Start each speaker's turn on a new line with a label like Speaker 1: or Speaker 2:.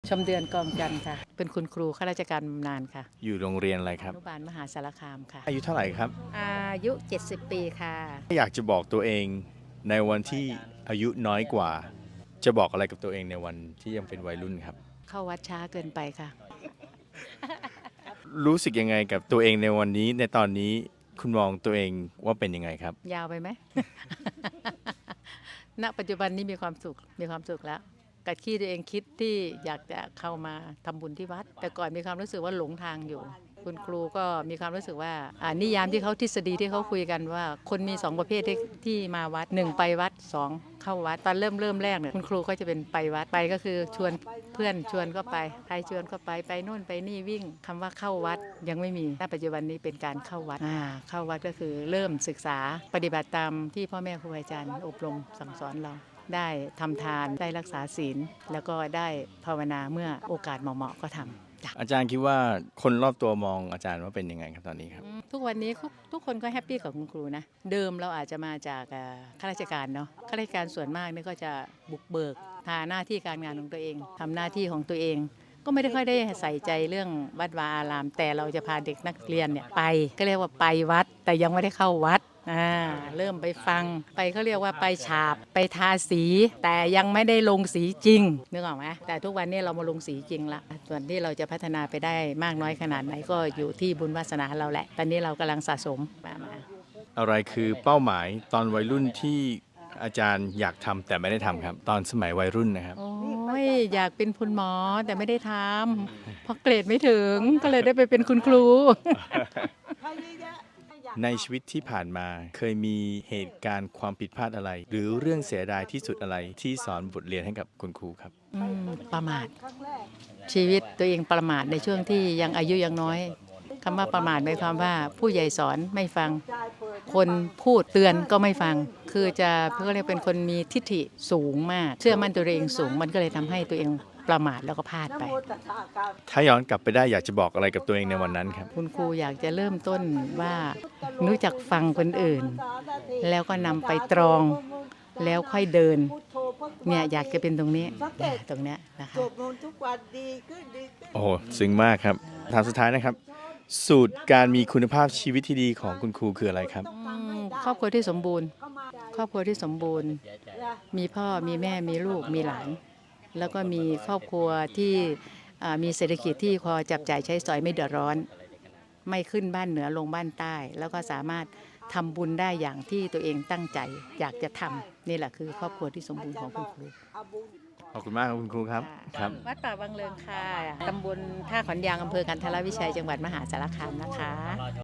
Speaker 1: ชมเดือนกองจันทร์ค่ะเป็นคุณครูข้าราชการบำนาญค่ะ
Speaker 2: อยู่โรงเรียนอะไรค
Speaker 1: อ
Speaker 2: รับ
Speaker 1: นุบาลมหาสารคามค่ะ
Speaker 2: อายุเท่าไหร่ครับ
Speaker 1: อายุ70ปีค่ะ
Speaker 2: อยากจะบอกตัวเองในวันที่อายุน้อยกว่า จะบอกอะไรกับตัวเองในวันที่ยังเป็นวัยรุ่นครับ
Speaker 1: เข้าวัดช้าเกินไปค่ะ
Speaker 2: รู้สึกยังไงกับตัวเองในวันนี้ในตอนนี้คุณมองตัวเองว่าเป็นยังไงครับ
Speaker 1: ยาวไปไหม ณปัจจุบันนี้มีความสุขแล้วกับที่ตัวเองคิดที่อยากจะเข้ามาทำบุญที่วัด แต่ก่อนมีความรู้สึกว่าหลงทางอยู่ คุณครูก็มีความรู้สึกว่านิยามที่เขาทฤษฎีที่เขาคุยกันว่า คนมี2ประเภทที่มาวัด1ไปวัด2เข้าวัดตอนเริ่มแรกเนี่ยคุณครูก็จะเป็นไปวัดไปก็คือชวนเพื่อนชวนก็ไปใครชวนก็ไปโน่นไปนี่วิ่งคำว่าเข้าวัดยังไม่มีณปัจจุบันนี้เป็นการเข้าวัดเข้าวัดก็คือเริ่มศึกษาปฏิบัติตามที่พ่อแม่ครูอาจารย์อบรมสั่งสอนเราได้ทำทานได้รักษาศีลแล้วก็ได้ภาวนาเมื่อโอกาสเหมาะๆก็ทำจ้ะ
Speaker 2: อาจารย์คิดว่าคนรอบตัวมองอาจารย์ว่าเป็นยังไงครับตอนนี้ครับ
Speaker 1: ทุกวันนี้ทุกคนก็แฮปปี้กับคุณครูนะเดิมเราอาจจะมาจากข้าราชการเนาะข้าราชการส่วนมากนี่ก็จะบุกเบิกทาหน้าที่การงานของตัวเองทำหน้าที่ของตัวเอง ก็ไม่ได้ค่อยได้ใส่ใจเรื่องวัดวาอาราม แต่เราจะพาเด็กนักเรียนเนี่ยไปก็เรียกว่าไปวัด แต่ยังไม่ได้เข้าวัดเริ่มไปฟังไปเขาเรียกว่าไปฉาบไปทาสี แต่ยังไม่ได้ลงสีจริงนึกออกไหมแต่ทุกวันนี้เรามาลงสีจริงละส่วนที่เราจะพัฒนาไปได้มากน้อยขนาดไหนก็อยู่ที่บุญวาสนาเราแหละตอนนี้เรากำลังสะสมมา
Speaker 2: อะไรคือเป้าหมายตอนวัยรุ่นที่อาจารย์อยากทำแต่ไม่ได้ทำครับ ตอนสมัยวัยรุ่นนะครับ
Speaker 1: โอ้ยอยากเป็นคุณหมอแต่ไม่ได้ทำเพราะเกรดไม่ถึงก็เลยได้ไปเป็นคุณครู
Speaker 2: ในชีวิตที่ผ่านมาเคยมีเหตุการณ์ความผิดพลาดอะไร หรือเรื่องเสียดายที่สุดอะไรที่สอนบทเรียนให้กับคุณครูครับ
Speaker 1: ประมาทชีวิตตัวเองประมาทในช่วงที่ยังอายุยังน้อยคำว่าประมาทหมายความว่าผู้ใหญ่สอนไม่ฟัง คนพูดเตือนก็ไม่ฟัง คือจะเขาเรียกเป็นคนมีทิฐิสูงมากเชื่อมั่นตัวเองสูงมันก็เลยทำให้ตัวเองประมาทแล้วก็พลาดไป
Speaker 2: ถ้าย้อนกลับไปได้อยากจะบอกอะไรกับตัวเองในวันนั้นครับ
Speaker 1: คุณครูอยากจะเริ่มต้นว่ารู้จักฟังคนอื่น แล้วก็นำไปตรองแล้วค่อยเดินเนี่ยอยากจะเป็นตรงนี้ตรงเนี้ยนะคะ
Speaker 3: สวดมนต์ทุกวันดีขึ้น
Speaker 2: โอ้โหซึ้งมากครับถามสุดท้ายนะครับ สูตรการมีคุณภาพชีวิตที่ดีของคุณครูคืออะไรครับ
Speaker 1: ครอบครัวที่สมบูรณ์ ครอบครัวที่สมบูรณ์ มีพ่อมีแม่มีลูกมีหลาน แล้วก็มีครอบครัวที่มีเศรษฐกิจที่พอจับจ่ายใช้สอยไม่เดือดร้อน ไม่ขึ้นบ้านเหนือลงบ้านใต้ แล้วก็สามารถทำบุญได้อย่างที่ตัวเองตั้งใจอยากจะทำนี่แหละคือครอบครัวที่สมบูรณ์ของคุณครู
Speaker 2: ขอบคุณมากครับคุณครูครับครับ
Speaker 1: วัดป่าวังเริงค่ะตำบลท่าขอนยางอำเภอกันทรวิชัยจังหวัดมหาสารคามนะคะ